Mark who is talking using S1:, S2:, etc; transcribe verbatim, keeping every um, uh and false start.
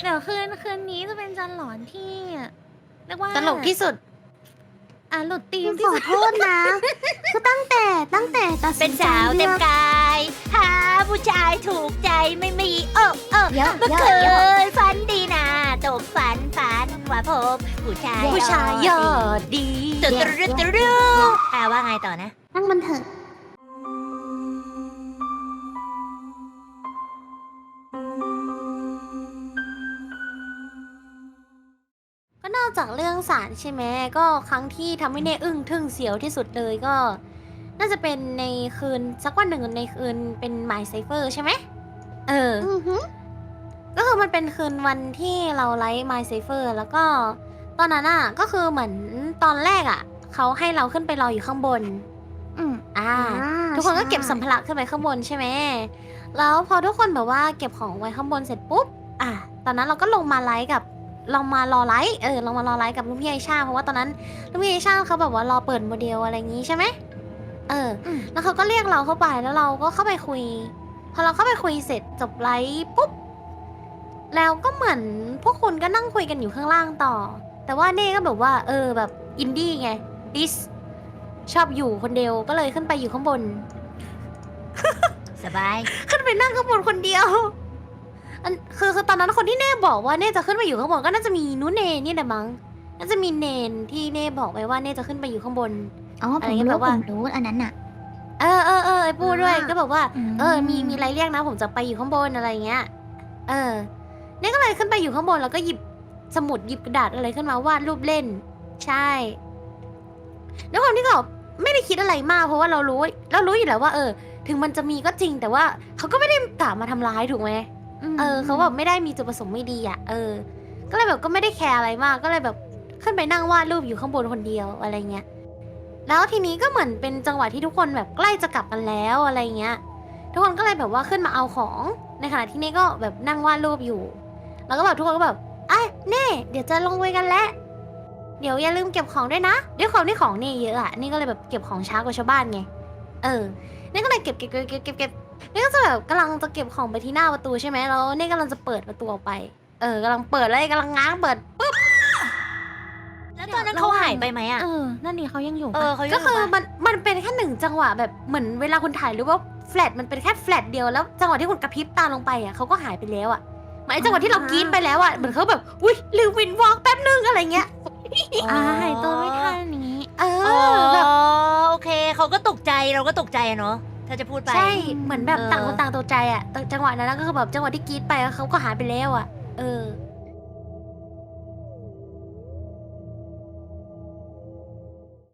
S1: เดี๋ยวคืนคืนนี้จะเป็นจันหลอนที่เรียกว่า
S2: ตลกที่สุด
S1: อ่ะหลุดธีม
S2: ข
S1: ที่
S2: อ
S1: สุด
S2: โทษนะก็ตั้งแต่ตั้งแต่ตัดสิ
S3: เป็น
S2: นใจ
S3: สาวเต็
S2: เลื
S3: ม
S2: อก
S3: กายหาผู้ชายถูกใจไม่มีเออเออ
S2: เยอะ
S3: เมื่อ
S2: เยอะ
S3: คื
S2: เยอะ
S3: นฝันดีนะตกฝันฝันว่าพบผู้ชาย
S2: ผู้ชายยอดดี
S3: ตุดตุดตุดตุดอ่าว่าไงต่อนะ
S2: นั่งมันเถอะก็นอกจากเรื่องสารใช่ไหมก็ครั้งที่ทำให้เน่อึ้งทึ่งเสียวที่สุดเลยก็ น่าจะเป็นในคืนสักวันหนึ่งในคืนเป็นหมายไซเฟอร์ใช่ไหมเออ ก็คือมันเป็นคืนวันที่เราไลฟ์ My Safer แล้วก็ตอนนั้นอ่ะก็คือเหมือนตอนแรกอ่ะเขาให้เราขึ้นไปรออยู่ข้างบน
S1: อืม
S2: อ่า
S1: อ่า
S2: ทุกคนก็
S1: ใช่
S2: เก็บสัมภาระขึ้นไปข้างบนใช่ไหมแล้วพอทุกคนแบบว่าเก็บของไว้ข้างบนเสร็จปุ๊บอ่ะตอนนั้นเราก็ลงมาไลฟ์กับลงมารอไลฟ์เออลงมารอไลฟ์กับลุงพี่ไอชาเพราะว่าตอนนั้นลุงพี่ไอชาเขาแบบว่ารอเปิดโมเดลอะไรอย่างงี้ใช่ไหมเออ
S1: อืม
S2: แล้วเขาก็เรียกเราเข้าไปแล้วเราก็เข้าไปคุย พอเราเข้าไปคุยเสร็จจบไลฟ์ปุ๊บ แล้วก็เหมือนพวกคุณก็นั่งคุยกันอยู่ข้างล่างต่อ แต่ว่าเน่ก็แบบว่า เออแบบอินดี้ไงดิสชอบอยู่คนเดียวก็เลยขึ้นไปอยู่ข้างบน
S3: สบาย
S2: ขึ้นไปนั่งข้างบนคนเดียวอันคือคือตอนนั้นคนที่เน่บอกว่าเน่จะขึ้นไปอยู่ข้างบนก็น่าจะมีนุเนนี่แหละมั้งน่าจะมีเนนที่เน่บอกไว้ว่าเน่จะขึ้นไปอยู่ข้างบน
S1: อ๋อ
S2: อะ
S1: ผ
S2: ไร
S1: ม
S2: เงี้ย
S1: รู้
S2: แบบว่า
S1: ผมรู้อันนั้นน่ะ
S2: เออเออเออไอ้ปูด้วย
S1: อ่า
S2: ก็บอกว่า
S1: อืม
S2: เออ มี มีอะไรเรียกนะ ผมจะไปอยู่ข้างบนอะไรเงี้ย เออเนี่ยก็เลยขึ้นไปอยู่ข้างบนแล้วก็หยิบสมุดหยิบกระดาษอะไรขึ้นมาวาดรูปเล่น ใช่ด้วยความที่เราไม่ได้คิดอะไรมากเพราะว่าเรารู้เรารู้อยู่แล้วว่า เออ ถึงมันจะมีก็จริง แต่ว่าเขาก็ไม่ได้กะมาทำร้ายถูกไหม
S1: ม
S2: เออเขาแบบไม่ได้มีจุดประสงค์ไม่ดีอ่ะ เออ ก็เลยแบบก็ไม่ได้แคร์อะไรมาก ก็เลยแบบขึ้นไปนั่งวาดรูปอยู่ข้างบนคนเดียวอะไรเงี้ย แล้วทีนี้ก็เหมือนเป็นจังหวะที่ทุกคนแบบใกล้จะกลับกันแล้วอะไรเงี้ย ทุกคนก็เลยแบบว่าขึ้นมาเอาของ ในขณะที่เน่ก็แบบนั่งวาดรูปอยู่ แล้วก็แบบทุกคนก็แบบไอ้ยเน่เดี๋ยวจะลงไปกันแล้ว เดี๋ยวอย่าลืมเก็บของด้วยนะด้วยความที่ของเน่เยอะอะนี่ก็เลยแบบเก็บของช้ากว่าชาวบ้านไง เออเน่ก็เลยเก็บเก็บเก็บเก็บเก็บเก็บเน่ก็จะแบบกำลังจะเก็บของไปที่หน้าประตูใช่ไหมแล้วเน่กำลังจะเปิดประตูออกไป เออกำลังเปิดเลยกำลังง้างเปิดปุ๊บ
S3: แล้วตอนนั้นเขาหายไปไหมอ่ะ
S1: เออ นั่นนี่เขายังอยู่
S3: เอ
S1: ปะ
S3: อเขายัง
S2: ก็คือ
S3: อยู่ปะ
S2: มันมันเป็นแค่หนึ่งจังหวะแบบเหมือนเวลาคุณถ่ายรูปว่าแฟลชมันเป็นแค่แฟลชเดียวแล้วจังหวะที่คุณกระพริบตาลงไปอ่ะเขาก็หายไปแล้วอ่ะหมายจังหวะที่เรากรี๊ดไปแล้วอ่ะเหมือนเขาแบบอุ้ยลืมวินวอล์กแป๊บนึงอะไรเงี้ย
S1: อ่าหายตัวไม่ทันนี้
S2: เอ
S3: อ๋อ
S2: อแบบ
S3: โอเคเขาก็ตกใจเราก็ตกใจอะเนาะถ้าจะพูดไป
S2: ใช่เหมือนแบบ
S3: เออ
S2: ต่างคนต่างตกใจอ่ะแต่จังหวะนั้นก็คือแบบจังหวะที่กรี๊ดไปแล้วเขาก็หายไปแล้วอ่ะเออ